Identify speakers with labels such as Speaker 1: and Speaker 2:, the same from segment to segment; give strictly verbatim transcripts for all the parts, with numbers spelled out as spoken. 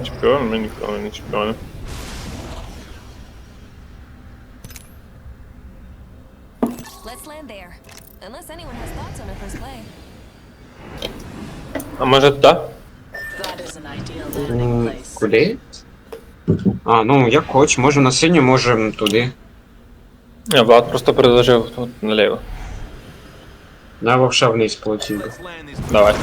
Speaker 1: Він чемпіон, ми ніколи не чемпіони.
Speaker 2: Let's land there. Unless anyone has thoughts on our first play.
Speaker 1: А може туди?
Speaker 3: That is an ideal landing
Speaker 4: М,
Speaker 3: place.
Speaker 4: Куди? А, ну як хоч, може на синю, може туди.
Speaker 1: Ні, Влад просто предложив тут наліво.
Speaker 4: Я вовша вниз полетів.
Speaker 1: Давай.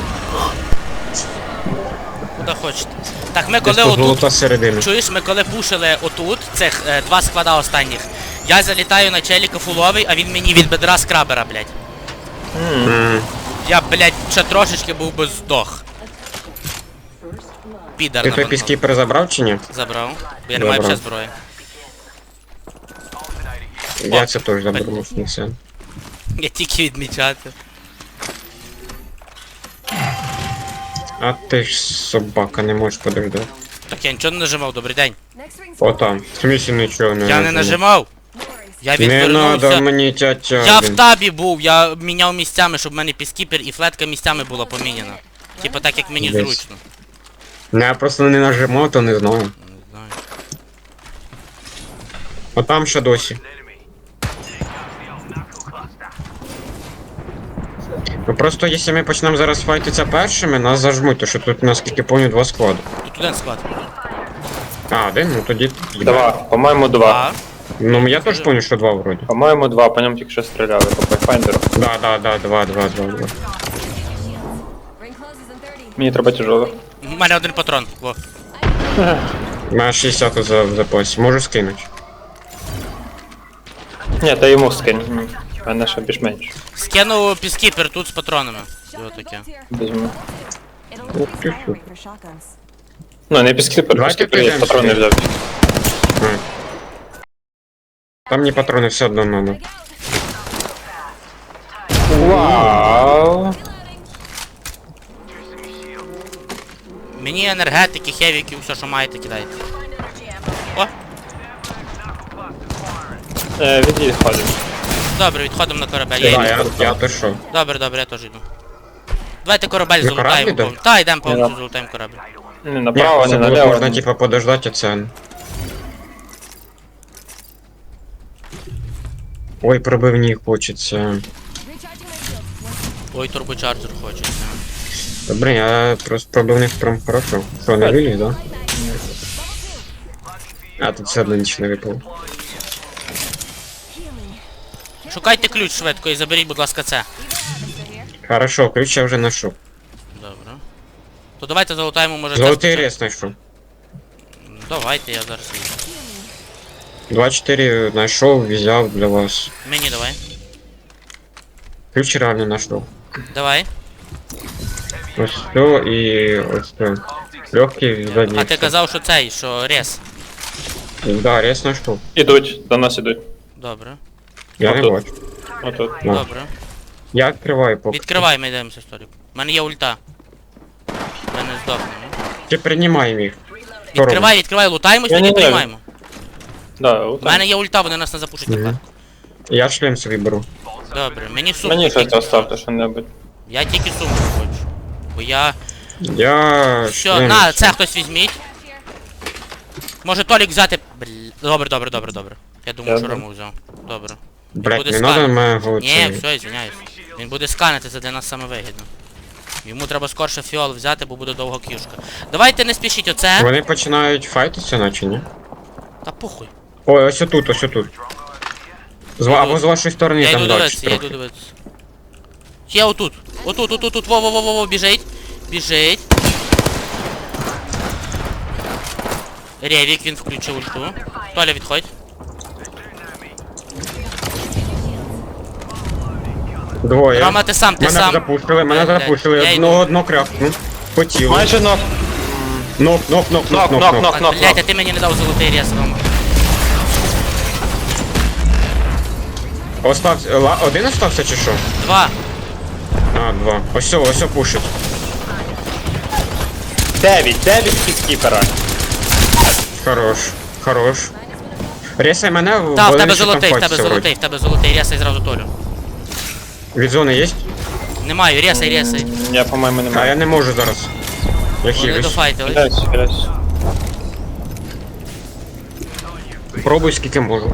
Speaker 5: Куди хочете. Так, ми
Speaker 4: Десь
Speaker 5: коли
Speaker 4: тут
Speaker 5: отут,
Speaker 4: золота середина.
Speaker 5: чуєш, ми коли пушили отут, цих е, два склада останніх, я залітаю на челіка фуловий, а він мені від бедра скрабера, блядь.
Speaker 4: М,
Speaker 5: Я, блядь, ще трошечки був би здох. Підар
Speaker 4: Ти
Speaker 5: на
Speaker 4: той
Speaker 5: банкнот.
Speaker 4: піскіпер забрав чи ні?
Speaker 5: Забрав. Бо я не маю
Speaker 4: Забрав.
Speaker 5: ще зброї.
Speaker 4: Я це теж заберу, не все.
Speaker 5: Я тільки відмічати.
Speaker 4: А ти ж собака, не можеш подождати.
Speaker 5: Так я нічого не нажимав, добрий день.
Speaker 2: Next ring's
Speaker 4: О там, в смісі нічого не
Speaker 5: Я не нажимав.
Speaker 2: no worries.
Speaker 5: Я
Speaker 4: Не надо
Speaker 5: відвернувся.
Speaker 4: мені тятя.
Speaker 5: Я в табі був, я міняв місцями, щоб в мене піскіпер і флетка місцями була поміняна. Типа так, як мені
Speaker 4: Десь.
Speaker 5: зручно.
Speaker 4: Не, я просто не нажимав, то не знаю.
Speaker 5: Не знаю.
Speaker 4: О там ще досі. Ну просто якщо ми почнемо зараз файтитися першими, нас зажмуть, то що тут наскільки помню два склади.
Speaker 5: Тут один склад.
Speaker 4: А, один? Ну тоді.
Speaker 1: Два. По-моєму, два.
Speaker 5: А,
Speaker 4: Ну я теж помню, що два вроді.
Speaker 1: По-моєму, два, по ньому тільки що стріляли, по пайфайндеру.
Speaker 4: Да, да, да, два, два, два, два.
Speaker 2: Ring closes in thirty.
Speaker 1: Мені треба тяжело.
Speaker 5: у мене один патрон. Во.
Speaker 4: У мене шістдесят за в запасі. Можу скинути.
Speaker 1: Ні, та йому скинь. М, в мене ще більш-менш.
Speaker 5: Скинув піскіпер тут з патронами. І
Speaker 2: Shotgun
Speaker 5: отаке.
Speaker 2: bolts here.
Speaker 1: Візьму.
Speaker 2: It'll increase fire rate for shotguns.
Speaker 1: Ну, не піскіпер,
Speaker 4: Давайте
Speaker 1: піскіпер є,
Speaker 4: підемо
Speaker 1: патрони
Speaker 4: сюди.
Speaker 1: взяти.
Speaker 4: А. Там мені патрони все одно надо.
Speaker 1: Вау!
Speaker 5: Мені енергетики, хевіки, все, що маєте, кидайте. О,
Speaker 1: Е, відходимо.
Speaker 5: добре, відходимо на корабель.
Speaker 4: Да,
Speaker 5: Я йду.
Speaker 4: я, я то що?
Speaker 5: Добре, добре, я теж йду. Давайте корабель
Speaker 4: Ви кораблі
Speaker 5: золотаємо.
Speaker 4: йдете?
Speaker 5: повністю. Та, йдемо повністю
Speaker 1: Ні,
Speaker 5: золотаємо корабель.
Speaker 1: Не
Speaker 4: Ні,
Speaker 1: направо,
Speaker 4: це
Speaker 1: не
Speaker 4: було
Speaker 1: наліво.
Speaker 4: можна типа подождати, а це. Ой, пробивні хочеться.
Speaker 2: Recharging my shield.
Speaker 5: Ой, турбочарджер хочеться.
Speaker 4: Добре, я просто пробивних прям хорошо. Що, не виліз, да? А, тут все одно нічого не випало.
Speaker 5: Шукайте ключ швидко і заберіть, будь ласка, це.
Speaker 4: Хорошо, ключ я вже знайшов.
Speaker 5: Добре. То давайте залутаємо, може, це
Speaker 4: Золотий
Speaker 5: спочатку.
Speaker 4: рез знайшов.
Speaker 5: Давайте, я зараз візьму.
Speaker 4: два чотири знайшов, взяв для вас.
Speaker 5: Мені давай.
Speaker 4: Ключ реально знайшов.
Speaker 5: Давай.
Speaker 4: Ось все і ось це. Легкий задній.
Speaker 5: А ти казав, що цей, що рез.
Speaker 4: Да, рез знайшов.
Speaker 1: Ідуть, до нас ідуть.
Speaker 5: Добре.
Speaker 4: Я не
Speaker 1: Отут.
Speaker 4: бачу.
Speaker 1: Отут.
Speaker 4: Ну.
Speaker 5: Добре.
Speaker 4: Я відкриваю поки.
Speaker 5: Відкривай, ми йдемося, сторік. У мене є ульта. Ми не здохнемо.
Speaker 4: Чи приймаємо їх? Що
Speaker 5: Відкривай, відкривай, лутаємось, тоді
Speaker 1: Ні-ні-ні.
Speaker 5: приймаємо.
Speaker 1: Да,
Speaker 5: У
Speaker 1: отак.
Speaker 5: мене є ульта, вони нас не запушать тепер.
Speaker 4: Мгм. Я шлем собі беру.
Speaker 5: Добре, мені сумку.
Speaker 1: Мені щось
Speaker 5: тільки.
Speaker 1: оставте що-небудь.
Speaker 5: Я тільки сумку хочу. Бо я...
Speaker 4: Я
Speaker 5: Що,
Speaker 4: шлем
Speaker 5: на,
Speaker 4: собі.
Speaker 5: це хтось візьміть. Може Толік взяти... Бл... Добре, добре, добре, добре. Я думаю, що
Speaker 1: Добре.
Speaker 5: Рому взяв. Добре.
Speaker 4: Блять,
Speaker 5: буде
Speaker 4: не
Speaker 5: сканер.
Speaker 4: надо моего
Speaker 5: Ні,
Speaker 4: цей.
Speaker 5: все, извиняюсь. Він буде сканити, це для нас саме вигідно. Йому треба скорше фіол взяти, бо буде довго к'юшка. Давайте не спішіть оце.
Speaker 4: Вони починають файтитися, наче, ні?
Speaker 5: Та похуй.
Speaker 4: Ой, ось отут, ось отут. З, ва- або з вашої сторони
Speaker 5: Я
Speaker 4: там
Speaker 5: йду
Speaker 4: далі
Speaker 5: дивитися, я йду
Speaker 4: трохи.
Speaker 5: дивитися. Є отут. Отут, отут, отут, во, во, во, во, во, біжить. Біжить. Ревік, він включив ульту. Толя, відходь.
Speaker 4: Двоє.
Speaker 5: Рома, ти сам, ти
Speaker 4: Мене
Speaker 5: сам.
Speaker 4: запушили, мене
Speaker 5: Блядь,
Speaker 4: запушили.
Speaker 5: я йду.
Speaker 4: Одного одно крякну. Хотів.
Speaker 1: Майже нок.
Speaker 4: Нок, нок, нок,
Speaker 1: Нок,
Speaker 4: нок, нок,
Speaker 1: нок,
Speaker 4: нок.
Speaker 1: нок, нок,
Speaker 5: Блять, а
Speaker 1: нок.
Speaker 5: ти мені не дав золотий рез, Рома.
Speaker 4: Остався, ла- один остався чи що?
Speaker 5: Два.
Speaker 4: А, два. Ось все, ось все пушить.
Speaker 1: Дев'ять, дев'ять піскіпера.
Speaker 4: Хорош, хорош. Ресай мене,
Speaker 5: Та, в
Speaker 4: вони
Speaker 5: тебе
Speaker 4: ще там
Speaker 5: золотий, в тебе
Speaker 4: файтяться
Speaker 5: золотий, в тебе золотий, ресай зразу Толю.
Speaker 4: вроді. Від зони є?
Speaker 5: Не маю, ресай, ресай.
Speaker 1: Я, по-моєму, не
Speaker 4: А
Speaker 1: маю.
Speaker 4: я не можу зараз. Я
Speaker 5: Вони
Speaker 4: хилюсь.
Speaker 5: дофайтили.
Speaker 1: Хиляюсь, хиляюсь.
Speaker 4: Пробуй скільки можу.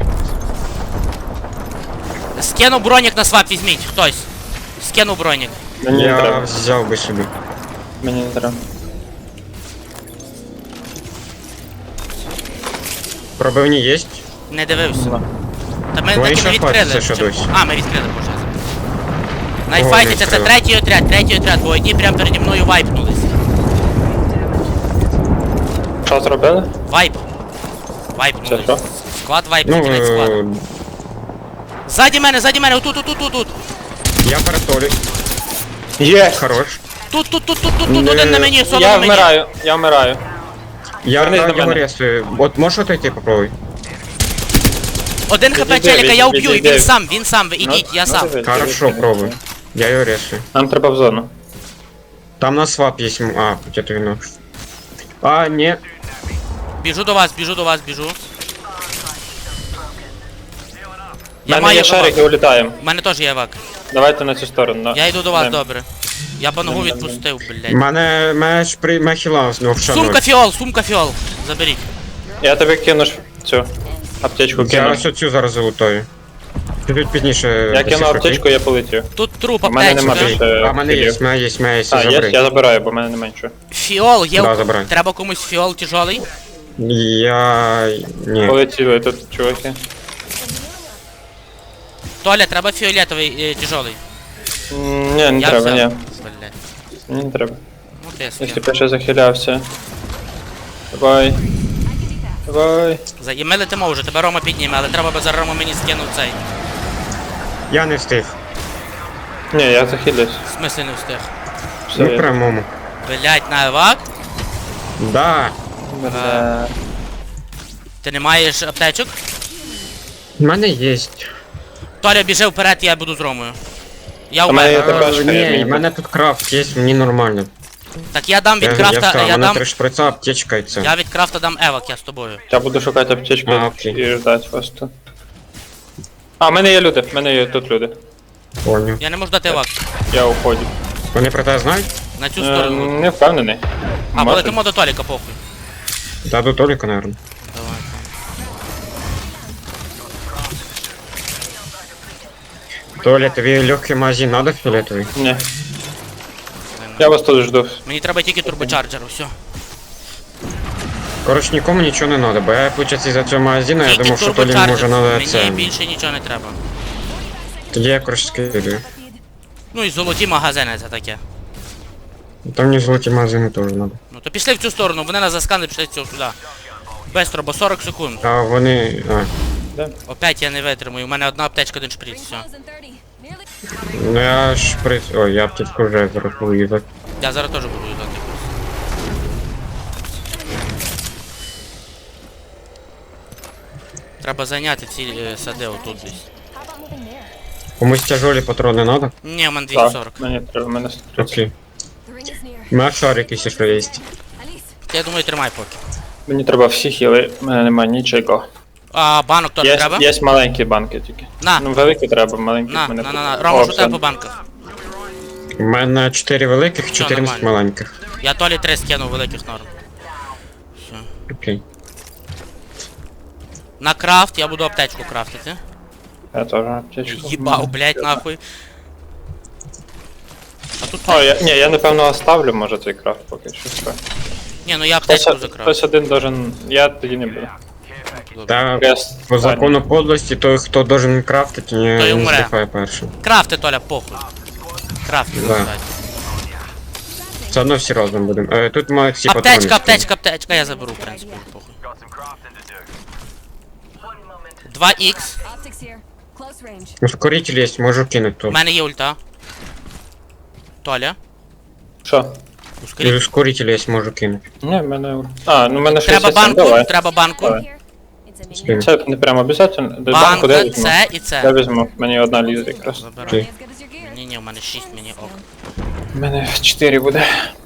Speaker 5: Скину бронік на свап, візьміть, хтось. Скину бронік.
Speaker 1: Мені не
Speaker 4: Я
Speaker 1: треба.
Speaker 4: взяв би собі.
Speaker 1: Мені не треба.
Speaker 4: Пробивні є?
Speaker 5: Не дивився.
Speaker 1: Ну.
Speaker 5: Та ми
Speaker 4: Вони
Speaker 5: таки
Speaker 4: ще
Speaker 5: не відкрили.
Speaker 4: файтяться ще
Speaker 5: Чи-
Speaker 4: досі.
Speaker 5: А, ми відкрили, боже.
Speaker 4: Ого,
Speaker 5: Найфайтиться,
Speaker 4: не
Speaker 5: це
Speaker 4: відкрили.
Speaker 5: третій отряд, третій отряд, бо одні прямо переді мною вайпнулись.
Speaker 1: Що зробили?
Speaker 5: Вайп.
Speaker 1: Це
Speaker 5: Вайпнулись.
Speaker 1: що?
Speaker 5: Склад вайп,
Speaker 4: Ну,
Speaker 5: кінець склад.
Speaker 4: е,
Speaker 5: Ззаді мене, ззаді мене, отут, отут, отут, отут.
Speaker 4: я перетолю.
Speaker 1: Є!
Speaker 4: Хорош.
Speaker 5: Тут, тут, тут, тут, тут, тут,
Speaker 4: Не-
Speaker 5: один на мені, соло
Speaker 1: Я
Speaker 5: на мені.
Speaker 1: вмираю, я вмираю.
Speaker 4: Я
Speaker 1: Вернись
Speaker 4: на
Speaker 1: до
Speaker 4: його
Speaker 1: мене.
Speaker 4: ресую. От можеш отойти, попробуй.
Speaker 5: Один хп
Speaker 1: Відійди,
Speaker 5: челіка, я
Speaker 1: відійди,
Speaker 5: уб'ю, і він
Speaker 1: відійди.
Speaker 5: сам, він сам, ви
Speaker 1: Ну,
Speaker 5: ідіть, я
Speaker 1: ну,
Speaker 5: сам.
Speaker 1: диви,
Speaker 4: Хорошо,
Speaker 1: диви.
Speaker 4: пробуй. Я його ресую.
Speaker 1: Нам треба в зону.
Speaker 4: Там на свап є. м- А, где-то він. А, ні.
Speaker 5: Біжу до вас, біжу до вас, біжу.
Speaker 1: У
Speaker 5: Я
Speaker 1: мене
Speaker 5: маю
Speaker 1: є шарик і
Speaker 5: евак.
Speaker 1: улітаємо.
Speaker 5: У мене теж є евак.
Speaker 1: Давайте на цю сторону. на-
Speaker 5: Я йду до вас,
Speaker 1: на-
Speaker 5: добре. Я по ногу
Speaker 1: Нем, нем,
Speaker 5: відпустив,
Speaker 4: У
Speaker 5: блядь.
Speaker 4: мене меч при мехіла з нього
Speaker 5: Сумка фіол, сумка фіол. Заберіть.
Speaker 1: Я тобі кину ж цю аптечку
Speaker 4: Я
Speaker 1: кину.
Speaker 4: ось оцю зараз залутаю. Чуть пізніше.
Speaker 1: Я кину
Speaker 4: досиш,
Speaker 1: аптечку, я полетів.
Speaker 5: Тут труп,
Speaker 1: У мене нема
Speaker 5: аптечка.
Speaker 1: більше.
Speaker 4: окей? А, в мене є,
Speaker 1: кілів.
Speaker 4: в мене є, в мене є,
Speaker 1: А, є,
Speaker 4: забери.
Speaker 1: я забираю, бо в мене не менше.
Speaker 5: Фіол, є.
Speaker 4: Да,
Speaker 5: у-
Speaker 4: забирай.
Speaker 5: Треба комусь фіол тяжелий.
Speaker 4: Я... Ні.
Speaker 1: Полетіли тут, чуваки.
Speaker 5: Толя, треба фіолетовий е, тяжелий.
Speaker 1: М, Ні, не
Speaker 5: Я
Speaker 1: треба,
Speaker 5: взяв.
Speaker 1: ні.
Speaker 5: Блядь.
Speaker 1: Мені не треба.
Speaker 5: Ну ти
Speaker 1: Якщо
Speaker 5: скинь.
Speaker 1: б я ще захилявся. Давай. Давай.
Speaker 5: За- І ми летимо вже, тебе Рома підніме, але треба би за Рома мені скинув цей.
Speaker 4: Я не встиг.
Speaker 1: Ні, я захилюсь.
Speaker 5: В смислі не встиг.
Speaker 1: Все,
Speaker 4: Ну
Speaker 1: я-
Speaker 4: прямому.
Speaker 5: Блять, на евак?
Speaker 4: Да.
Speaker 1: Бля.
Speaker 5: Ти не маєш аптечок?
Speaker 4: В мене є.
Speaker 5: Толя, біжи вперед, я буду з Ромою. Я
Speaker 1: У мене є
Speaker 5: вмер.
Speaker 1: така
Speaker 4: Е,
Speaker 1: шкаля,
Speaker 4: Ні,
Speaker 1: мені
Speaker 4: в мене тут крафт є, мені нормально.
Speaker 5: Так я дам від
Speaker 4: Я, я
Speaker 5: крафта,
Speaker 4: встав,
Speaker 5: я,
Speaker 4: у мене
Speaker 5: дам.
Speaker 4: три шприца, аптечка і це.
Speaker 5: Я від крафта дам евак, я з тобою.
Speaker 1: Я буду шукати аптечку
Speaker 4: А, окей.
Speaker 1: і ждати вас тут. А, в мене є люди, в мене є тут люди.
Speaker 4: Понял.
Speaker 5: Я не можу дати евак.
Speaker 1: Я уходжу.
Speaker 4: Вони про те знають?
Speaker 5: На цю
Speaker 1: Е,
Speaker 5: сторону.
Speaker 1: Не впевнений.
Speaker 5: А,
Speaker 1: Може.
Speaker 5: полетимо до Толіка, похуй.
Speaker 4: Да, до Толіка, наверное.
Speaker 5: Давай.
Speaker 4: Толя, тобі легкий магазин надо фіолетовий?
Speaker 1: Ні. Я вас тут жду.
Speaker 5: Мені треба тільки турбочарджер, все.
Speaker 4: Коротше, нікому нічого не надо, бо я, виходить, із-за цього магазину, я
Speaker 5: Тільки
Speaker 4: думав, що Толі
Speaker 5: турбочарджер.
Speaker 4: може надо
Speaker 5: Мені
Speaker 4: це.
Speaker 5: більше нічого не треба.
Speaker 4: Тоді я, коротше, скидаю.
Speaker 5: Ну і золоті магазини це таке.
Speaker 4: Там мені золоті магазини теж надо.
Speaker 5: Ну то пішли в цю сторону, вони нас засканили, пішли цього сюди. Бестро, бо сорок секунд.
Speaker 4: А вони... А,
Speaker 5: Опять я не витримую, у мене одна аптечка, один шприц, все.
Speaker 2: Rings thirty. Nearly.
Speaker 4: ну я шприц... Ой, я аптечку вже зараз буду їздити.
Speaker 5: Я зараз теж буду їдати. Треба зайняти ці е, сади отут десь.
Speaker 2: How about moving there?
Speaker 4: Комусь тяжелі патрони надо?
Speaker 5: Ні, у мене двісті сорок.
Speaker 1: Так, мені треба, в мене сто тридцять.
Speaker 4: Окей.
Speaker 2: The ring is near.
Speaker 4: У мене шарик, якщо що є.
Speaker 2: Alice,
Speaker 5: Я думаю, тримай поки.
Speaker 1: Мені треба всі хіли, в мене немає нічого.
Speaker 5: А банок теж
Speaker 1: Є,
Speaker 5: треба?
Speaker 1: є маленькі банки тільки.
Speaker 5: На.
Speaker 1: Ну, великі треба, маленькі
Speaker 5: На,
Speaker 1: в мене.
Speaker 5: на, на, на.
Speaker 1: О,
Speaker 5: Рома, що
Speaker 1: все.
Speaker 5: тебе по банках?
Speaker 4: У мене чотири великих, чотирнадцять
Speaker 5: нормально.
Speaker 4: маленьких.
Speaker 5: Я Толі три скинув великих норм. Все.
Speaker 4: Окей.
Speaker 5: На крафт я буду аптечку крафтити.
Speaker 1: Я теж аптечку.
Speaker 5: Їбав, блять, нахуй. А тут.
Speaker 1: О, я, ні, я напевно оставлю, може, цей крафт поки що. Все.
Speaker 5: Ні, ну я
Speaker 1: Хтось,
Speaker 5: аптечку закрафт.
Speaker 1: хтось один должен. Я тоді не буду.
Speaker 4: Та
Speaker 1: Крест.
Speaker 4: по закону подлості, той, хто должен крафтити,
Speaker 5: Той
Speaker 4: не, не
Speaker 5: умре.
Speaker 4: здихає першим.
Speaker 5: Крафти, Толя, похуй. Крафти,
Speaker 4: Да.
Speaker 5: кстати.
Speaker 4: Все одно всі разом будемо. Е, тут мають всі патрони.
Speaker 5: Аптечка, аптечка, аптечка, я заберу, в принципі, похуй. два ікс.
Speaker 2: optics here. Close range.
Speaker 4: Ускоритель є, можу кинути
Speaker 5: У
Speaker 4: тут.
Speaker 5: мене є ульта. Толя,
Speaker 1: Що?
Speaker 4: І
Speaker 5: ускоріть.
Speaker 4: ускоритель є, можу кинути.
Speaker 1: Ні, в мене. А, ну в мене
Speaker 5: Треба
Speaker 1: шістдесят сім,
Speaker 5: банку,
Speaker 1: давай.
Speaker 5: треба банку.
Speaker 1: Давай.
Speaker 2: Here. It's a mini.
Speaker 4: Скину.
Speaker 1: Це не прямо обов'язково. Банку де
Speaker 5: Банка,
Speaker 1: візьму?
Speaker 5: це і
Speaker 1: Я
Speaker 5: це.
Speaker 1: візьму, мені одна лізе якраз.
Speaker 5: Забирай.
Speaker 4: Окей.
Speaker 2: As good as your gear.
Speaker 5: Ні, ні, у мене шість, мені ок.
Speaker 1: У мене чотири буде.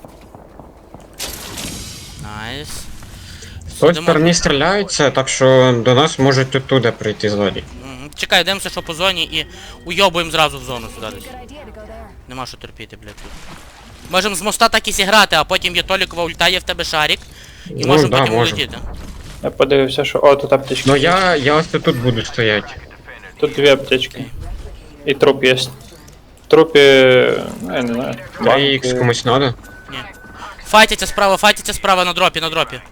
Speaker 5: Найс.
Speaker 4: З тої
Speaker 5: Сидимо.
Speaker 4: сторони стріляються, так що до нас можуть оттуда прийти ззаді.
Speaker 5: Мгм. Чекай, дивимося, що по зоні і уйобуємо зразу в зону сюди десь.
Speaker 2: Good idea to go there.
Speaker 5: Нема що терпіти, блядь, тут. Можемо з моста так і зіграти, а потім є Толікова ульта, є в тебе шарик. І
Speaker 4: Ну,
Speaker 5: можемо
Speaker 4: да,
Speaker 5: потім
Speaker 4: можемо.
Speaker 5: улетіти.
Speaker 1: Я подивився, що. О, тут аптечки.
Speaker 4: Ну я, я ось тут буду стояти.
Speaker 1: Тут дві аптечки. І труп є. В трупі. Ну, я не знаю.
Speaker 4: три ікс комусь надо?
Speaker 5: Ні. Файтяться справа, файтяться справа на дропі, на дропі.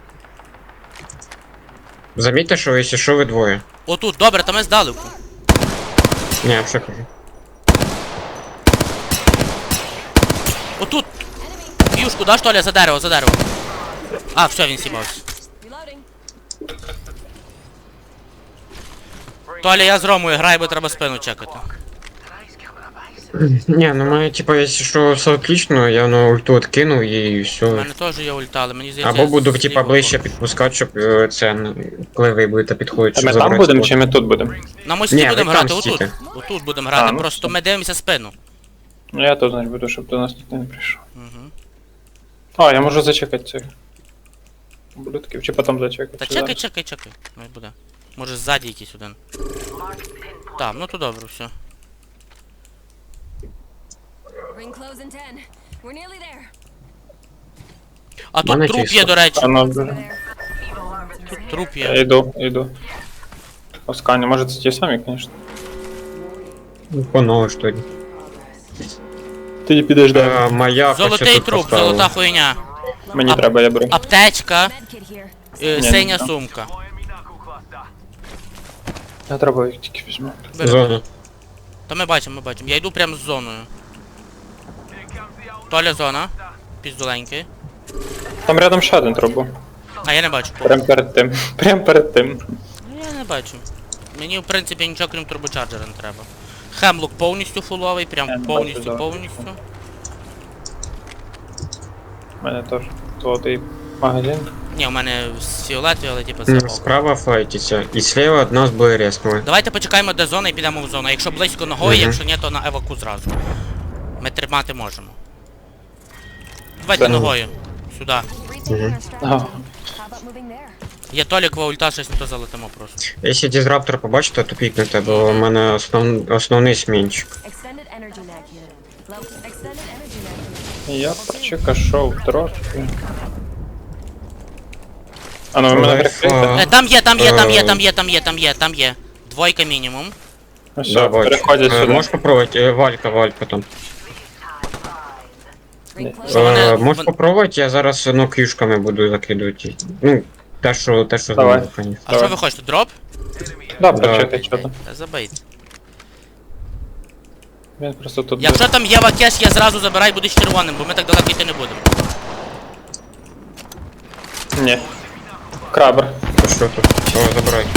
Speaker 4: Замітьте, що якщо що ви двоє.
Speaker 5: Отут, добре, там ми здалеку.
Speaker 4: Ні, я все кажу.
Speaker 5: Отут. Юшку, даш, Толя, за дерево, за дерево. А, все, він сібався.
Speaker 2: Reloading.
Speaker 5: Толя, я з Ромою граю, бо треба спину чекати.
Speaker 4: Ні, ну має, типа, якщо що все отлично, я на ульту откинув і
Speaker 5: У
Speaker 4: все.
Speaker 5: мене теж є ульта, але мені здається...
Speaker 4: Або
Speaker 5: я
Speaker 4: буду,
Speaker 5: з
Speaker 4: типа,
Speaker 5: лівого
Speaker 4: ближче
Speaker 5: боку.
Speaker 4: підпускати, щоб е, це, ну, коли ви будете підходити,
Speaker 1: А
Speaker 4: щоб
Speaker 1: ми там
Speaker 4: забрати
Speaker 1: будемо
Speaker 4: спот.
Speaker 1: чи ми тут будемо?
Speaker 5: На мості
Speaker 4: Ні,
Speaker 5: будемо
Speaker 4: ви там
Speaker 5: грати, отут.
Speaker 4: стійте.
Speaker 5: Отут будемо грати,
Speaker 1: А, ну
Speaker 5: просто
Speaker 1: все.
Speaker 5: ми дивимося спину.
Speaker 1: Ну я тут, значить, буду, щоб до нас ніхто не прийшов.
Speaker 5: Угу.
Speaker 1: А, я можу зачекати цих. Ублюдків, чи потім зачекати.
Speaker 5: Та
Speaker 1: чи
Speaker 5: чекай,
Speaker 1: зараз?
Speaker 5: чекай, чекай. Ну і буде. Може ззаді якийсь один. Так, ну то добре, все.
Speaker 2: Ring close in ten. We're nearly there.
Speaker 5: А
Speaker 4: Мене
Speaker 5: тут труп
Speaker 4: чисто.
Speaker 5: є, до речі.
Speaker 1: А ну,
Speaker 2: Over there.
Speaker 5: Тут труп
Speaker 1: я
Speaker 5: є.
Speaker 1: йду, йду. Оскані, може це ті самі, звісно.
Speaker 4: Ну, по-новому, що ли.
Speaker 1: Ти підеш
Speaker 4: Е, Маяк ось
Speaker 5: Золотий
Speaker 4: тут
Speaker 5: труп,
Speaker 4: поставив.
Speaker 5: золота хуйня.
Speaker 1: Мені
Speaker 5: а-
Speaker 1: треба, я беру.
Speaker 5: Аптечка,
Speaker 2: Medkit here.
Speaker 5: е,
Speaker 1: Ні,
Speaker 5: синя
Speaker 1: ні.
Speaker 5: сумка.
Speaker 1: Я треба їх тільки візьму.
Speaker 5: Бери.
Speaker 4: Зона.
Speaker 5: Та ми бачимо, ми бачимо. Я йду прямо з зоною. Толя зона. Піздоленький.
Speaker 1: Там рядом ще один труп був.
Speaker 5: А я не бачу.
Speaker 1: Прям перед тим. Прям перед тим.
Speaker 5: Ну, я не бачу. Мені, в принципі, нічого крім турбочарджера не треба. Хемлок повністю фуловий, прям
Speaker 1: Я не
Speaker 5: повністю,
Speaker 1: бачу, да.
Speaker 5: повністю.
Speaker 1: У мене теж золотий магазин.
Speaker 5: Ні, у мене з фіолетові, але типу це
Speaker 4: М,
Speaker 5: ок.
Speaker 4: Справа файтиться. І слева від нас буде реснули.
Speaker 5: Давайте почекаємо де зона і підемо в зону. Якщо близько ногою,
Speaker 4: Мгм.
Speaker 5: якщо ні, то на еваку зразу. Ми тримати можемо. Давайте
Speaker 1: Це не-
Speaker 5: ногою. Сюди.
Speaker 2: Rethinking our strategy.
Speaker 1: Ага.
Speaker 2: How about moving there?
Speaker 5: Є Толікова ульта, щось не то залетимо просто.
Speaker 4: Якщо дізраптор побачите, то пікнете, бо у мене основ... основний смінчик.
Speaker 2: Extended energy mag here. Low. Extended energy mag here.
Speaker 1: Я почекашов трошки. А ну ви мене
Speaker 4: Лайфа.
Speaker 1: прикрийте.
Speaker 5: Е, там є, там є, там є,
Speaker 4: Е.
Speaker 5: там є, там є, там є, там є. Двойка мінімум.
Speaker 1: Ну все,
Speaker 4: Да, бачу.
Speaker 1: переходять
Speaker 4: Е,
Speaker 1: сюди.
Speaker 4: Можеш попробувати, е, Валька, Валька там.
Speaker 2: Ring
Speaker 1: Ні.
Speaker 2: close.
Speaker 5: вони-
Speaker 4: Е, Можеш
Speaker 5: вон-
Speaker 4: попробувати, я зараз ну, к'юшками буду закидувати. Ну, те, що, те, що
Speaker 1: Давай.
Speaker 4: знаю, конечно.
Speaker 5: А
Speaker 1: Давай.
Speaker 5: що ви хочете? Дроп?
Speaker 1: Да,
Speaker 4: Да.
Speaker 1: почекай, що там.
Speaker 5: Та забийте.
Speaker 1: Він просто тут був.
Speaker 5: Якщо там є вакеш, я зразу забирай, будеш червоним, бо ми так далеко йти не будемо.
Speaker 1: Ні. Крабер.
Speaker 4: То що тут? О, забирай.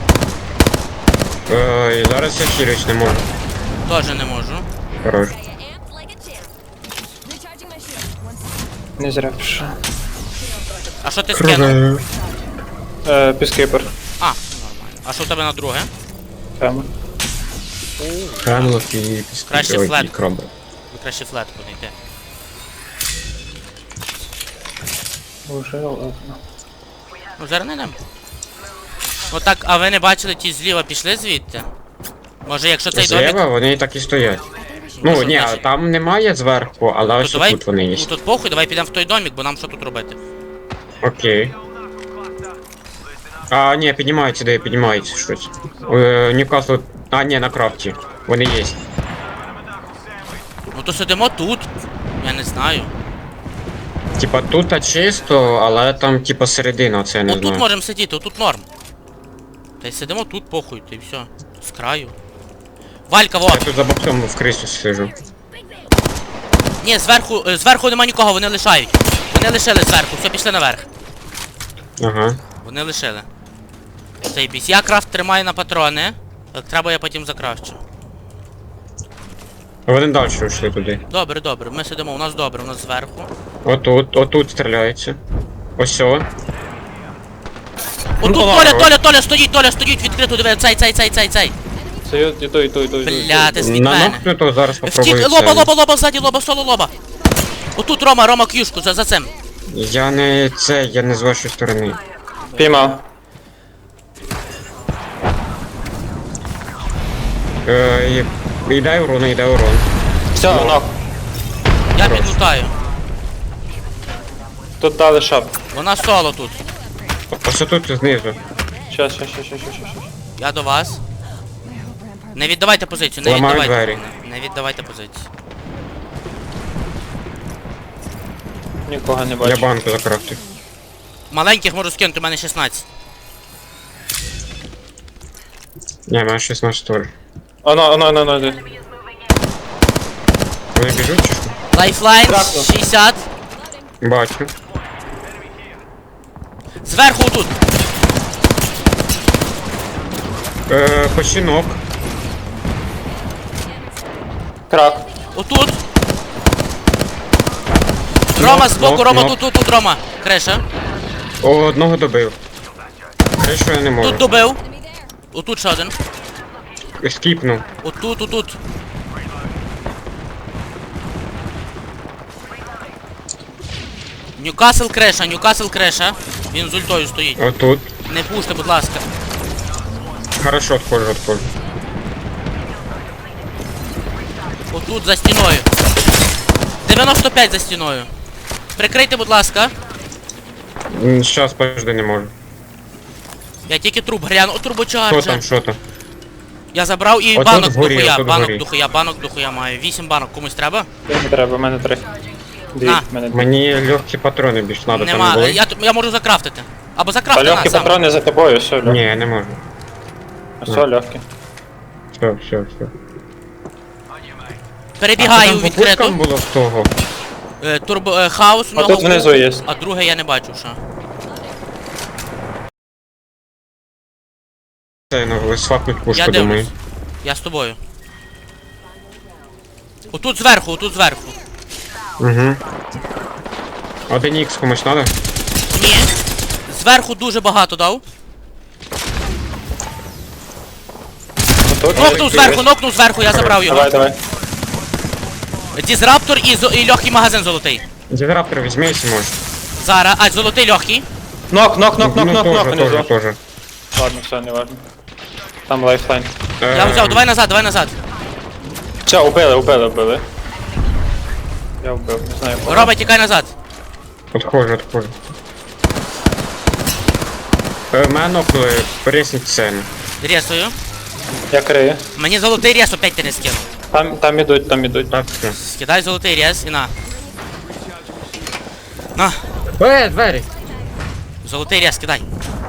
Speaker 4: Е, і зараз я хілюсь не можу.
Speaker 5: Тоже не можу.
Speaker 4: Хорош.
Speaker 2: Stay amped like a champ. Recharging my shield. One second.
Speaker 1: Не зря пішов.
Speaker 5: А що ти скинув?
Speaker 1: Е, Піскейпер.
Speaker 5: А, нормально. А що в тебе на друге?
Speaker 1: Тема.
Speaker 4: Хемлок і
Speaker 5: Краще
Speaker 4: ой,
Speaker 5: флет.
Speaker 4: і краби.
Speaker 5: Ви краще флетку не йти.
Speaker 1: Уже ладно.
Speaker 5: Ну зараз не йдемо. Ну так, а ви не бачили, ті зліва пішли звідти? Може, якщо цей домик...
Speaker 4: Зліва вони так і стоять.
Speaker 5: Ну,
Speaker 4: Ну,
Speaker 5: що
Speaker 4: ні,
Speaker 5: значить?
Speaker 4: там немає зверху, але
Speaker 5: То
Speaker 4: ось
Speaker 5: давай,
Speaker 4: тут вони є.
Speaker 5: ну тут похуй, давай підемо в той домик, бо нам що тут робити?
Speaker 4: Окей. А, ні, піднімаються, де піднімаються щось. Е, Ньюкасл. А, ні, на крафті. Вони є.
Speaker 5: Ну то сидимо тут. Я не знаю.
Speaker 4: Типа тут а чисто, але там типа середина, це я не
Speaker 5: Отут
Speaker 4: знаю.
Speaker 5: можемо сидіти, отут норм. Та й сидимо тут, похуй, та й все. З краю. Валька,
Speaker 4: Я
Speaker 5: вот.
Speaker 4: тут за боксом в крису сижу.
Speaker 5: Ні, зверху, е, зверху нема нікого, вони лишають. Вони лишили зверху, все, пішли наверх.
Speaker 4: Ага.
Speaker 5: Вони лишили. Цей біс. Я крафт тримаю на патрони. Як треба, я потім закрафчу.
Speaker 4: Вони далі йшли туди.
Speaker 5: Добре, добре, ми сидимо, у нас добре, у нас зверху.
Speaker 4: Отут, отут стріляється. Ось о.
Speaker 5: Отут
Speaker 1: Ну,
Speaker 5: Толя,
Speaker 1: ладно.
Speaker 5: Толя, Толя, стоїть, Толя, стоїть, відкрито, диви, цей, цей, цей, цей, цей.
Speaker 1: Це я іду, іду, іду, іду.
Speaker 5: Бля, ти від
Speaker 4: На
Speaker 5: мене.
Speaker 4: нокнуто зараз попробую
Speaker 5: Втік,
Speaker 4: це.
Speaker 5: лоба, лоба, лоба, ззаді, лоба, соло, лоба. Отут Рома, Рома к'юшку, за, за цим.
Speaker 4: Я не це, я не з вашої сторони.
Speaker 1: Піймав.
Speaker 4: Е, і, і дай урон, і дай урон.
Speaker 1: Все, нок.
Speaker 5: Я
Speaker 4: Хорош.
Speaker 5: підлутаю.
Speaker 1: Тут дали шап.
Speaker 5: Вона соло тут.
Speaker 4: Ось тут знизу.
Speaker 1: Щас, щас, щас, щас, щас, щас.
Speaker 5: Я до вас. Не віддавайте позицію, не
Speaker 4: Ламаю
Speaker 5: віддавайте.
Speaker 4: двері.
Speaker 5: Не, не віддавайте позицію.
Speaker 1: Нікого не
Speaker 4: Я
Speaker 1: бачу.
Speaker 4: банку закрафтив.
Speaker 5: Маленьких можу скинути, у мене шістнадцять.
Speaker 4: Ні, мене шістнадцять створ.
Speaker 1: Оно, оно, оно, оно.
Speaker 4: Вони біжуть чи що?
Speaker 5: Лайфлайн
Speaker 1: Тракнув.
Speaker 5: шістдесят.
Speaker 4: Бачу.
Speaker 5: Зверху тут.
Speaker 4: Е, починок.
Speaker 1: Крак.
Speaker 5: Отут. Рома збоку,
Speaker 4: нок,
Speaker 5: Рома
Speaker 4: нок.
Speaker 5: тут, тут, тут, Рома. Креша.
Speaker 4: О, одного добив. Кришу я не можу.
Speaker 5: Тут добив. Отут ще один.
Speaker 4: Скіпнув.
Speaker 5: Отут, отут. Ньюкасл креша, Ньюкасл креша. Він з ультою стоїть.
Speaker 4: Отут.
Speaker 5: Не пуште, будь ласка.
Speaker 4: Хорошо, отходжу, отходжу.
Speaker 5: Отут за стіною. дев'яносто п'ять за стіною. Прикрийте, будь ласка.
Speaker 4: М, Щас, подожди, не можу.
Speaker 5: Я тільки труп гляну. О,
Speaker 4: Що
Speaker 5: турбочарджер.
Speaker 4: там, що там?
Speaker 5: Я забрав і
Speaker 4: Отут
Speaker 5: банок
Speaker 4: вгорі,
Speaker 5: дохуя,
Speaker 4: отут
Speaker 5: банок
Speaker 4: вгорі.
Speaker 5: дохуя, банок дохуя маю. Вісім банок комусь треба?
Speaker 1: Не треба, в мене три. Дві,
Speaker 5: На.
Speaker 1: в мене дві.
Speaker 4: Мені легкі патрони більш надо, там не
Speaker 5: Нема.
Speaker 4: були?
Speaker 5: Я, т- я можу закрафтити. Або
Speaker 1: Та
Speaker 5: закрафти на
Speaker 1: легкі
Speaker 5: сам.
Speaker 1: патрони за тобою, все, легкі.
Speaker 4: Ні, я не можу.
Speaker 1: Все, легкі.
Speaker 4: Все, все, все.
Speaker 5: Перебігаю
Speaker 4: а
Speaker 5: у
Speaker 4: там по пушкам
Speaker 5: відкриту.
Speaker 4: було з того?
Speaker 5: Е, турбо, е, хаос у
Speaker 1: А
Speaker 5: нього
Speaker 1: тут внизу
Speaker 5: був,
Speaker 1: є.
Speaker 5: а друге я не бачу, що.
Speaker 4: Це, ну, свапнуть
Speaker 5: Я
Speaker 4: пушку,
Speaker 5: дивлюсь.
Speaker 4: думаю.
Speaker 5: Я з тобою. Отут зверху, отут зверху.
Speaker 4: Угу. Один ікс комусь надо?
Speaker 5: Ні. Зверху дуже багато дав.
Speaker 1: Отут
Speaker 5: Нокнув
Speaker 1: є.
Speaker 5: зверху, нокнув зверху, я забрав його.
Speaker 1: Давай, давай.
Speaker 5: Дізраптор і, зо- і легкий магазин золотий.
Speaker 4: Дізраптор візьми, якщо можеш.
Speaker 5: Зараз, а золотий легкий.
Speaker 1: Нок, нок, нок, нок,
Speaker 4: Ну,
Speaker 1: нок, нок,
Speaker 4: тоже,
Speaker 1: внизу.
Speaker 4: тоже, тоже.
Speaker 1: Ладно, все, не важно. Там лайфлайн.
Speaker 5: Я
Speaker 4: Ем,
Speaker 5: взяв, давай назад, давай назад.
Speaker 1: Все, убили, убили, убили. Я вбив, не знаю. кого.
Speaker 5: Рома, тікай назад.
Speaker 4: Отходжу, отходжу. Е, Мене нокнули, пересніть сцену.
Speaker 5: Рєсую.
Speaker 1: Я крию.
Speaker 5: Мені золотий рєс опять ти не скинув.
Speaker 1: Там, там ідуть, там ідуть.
Speaker 4: Так, все.
Speaker 5: Скидай золотий рєс і на. На,
Speaker 4: Е, двері!
Speaker 5: золотий рєс, кидай.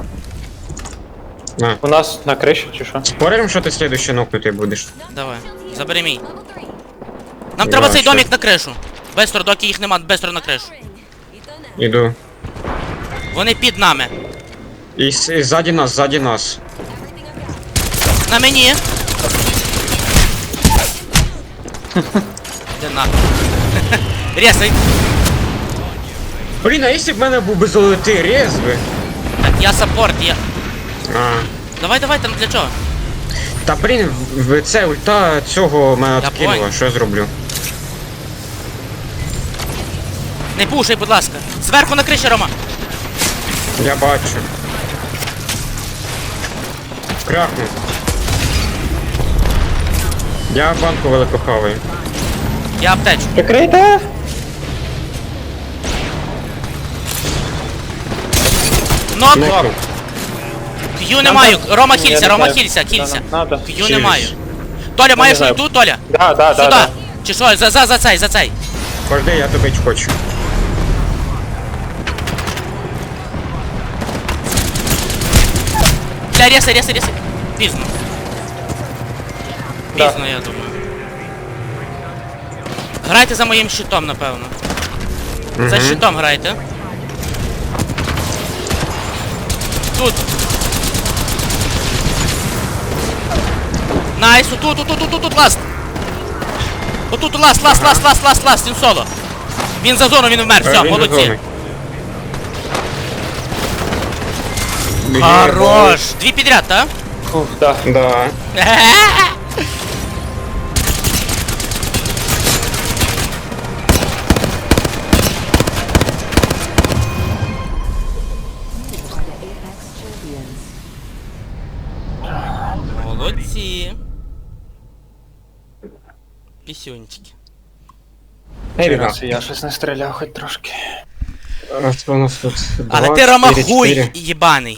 Speaker 4: На.
Speaker 1: У нас на криші чи що?
Speaker 4: Спорим, що ти слідуючий нокнутий будеш?
Speaker 5: Давай, забери мій. Нам
Speaker 4: Я
Speaker 5: треба цей
Speaker 4: ще.
Speaker 5: домик на кришу. Бестро, доки їх нема, бестро на кришу.
Speaker 4: Іду.
Speaker 5: Вони під нами.
Speaker 4: І, с- і ззаді нас, ззаді нас.
Speaker 5: На мені. Де нахуй. Рєсай.
Speaker 4: Блін, а якщо б в мене був би золотий рез би?
Speaker 5: Так, я саппорт, я.
Speaker 4: А.
Speaker 5: Давай, давай, там для чого?
Speaker 4: Та блін, в- в- це ульта цього мене
Speaker 5: Я
Speaker 4: откинула,
Speaker 5: понял.
Speaker 4: що я зроблю?
Speaker 5: Не пушай, будь ласка. Зверху на криші, Рома.
Speaker 4: Я бачу. Крякнув. Я банку велико хаваю.
Speaker 5: Я аптечу.
Speaker 1: Прикрийте!
Speaker 5: Нок.
Speaker 4: Нокнув.
Speaker 5: К'ю не маю. Рома
Speaker 1: Ні, я
Speaker 5: хілься,
Speaker 1: не
Speaker 5: Рома
Speaker 1: знаю.
Speaker 5: хілься, хілься.
Speaker 1: Да, надо.
Speaker 5: К'ю не
Speaker 4: Хілюсь.
Speaker 5: маю. Толя, маєш
Speaker 1: знаю.
Speaker 5: ульту, Толя?
Speaker 1: Да, да, да,
Speaker 5: Сюди.
Speaker 1: да.
Speaker 5: Чи що, за, за, за цей, за цей.
Speaker 4: Пожди, я добить хочу.
Speaker 5: Бля, рєсай, рєсай, рєсай. Пізно.
Speaker 1: Да.
Speaker 5: Пізно, я думаю. Грайте за моїм щитом, напевно. За
Speaker 4: Мгм.
Speaker 5: щитом грайте. Тут. Найс, тут, тут, тут, тут, тут, тут, ласт. Отут ласт, ласт, ласт, ласт, ласт, ласт, він соло. Він за зону, він вмер,
Speaker 4: Е,
Speaker 5: все,
Speaker 4: він
Speaker 5: молодці.
Speaker 4: зазоний.
Speaker 5: Хорош. Дві підряд, так?
Speaker 1: Фух, да.
Speaker 4: Да.
Speaker 5: Молодці. Пісюнчики.
Speaker 1: Ей, раз, я щось не стріляв хоч трошки.
Speaker 4: А що у нас тут?
Speaker 5: Але
Speaker 4: Два,
Speaker 5: ти
Speaker 4: чотири,
Speaker 5: ромахуй,
Speaker 4: чотири.
Speaker 5: їбаний.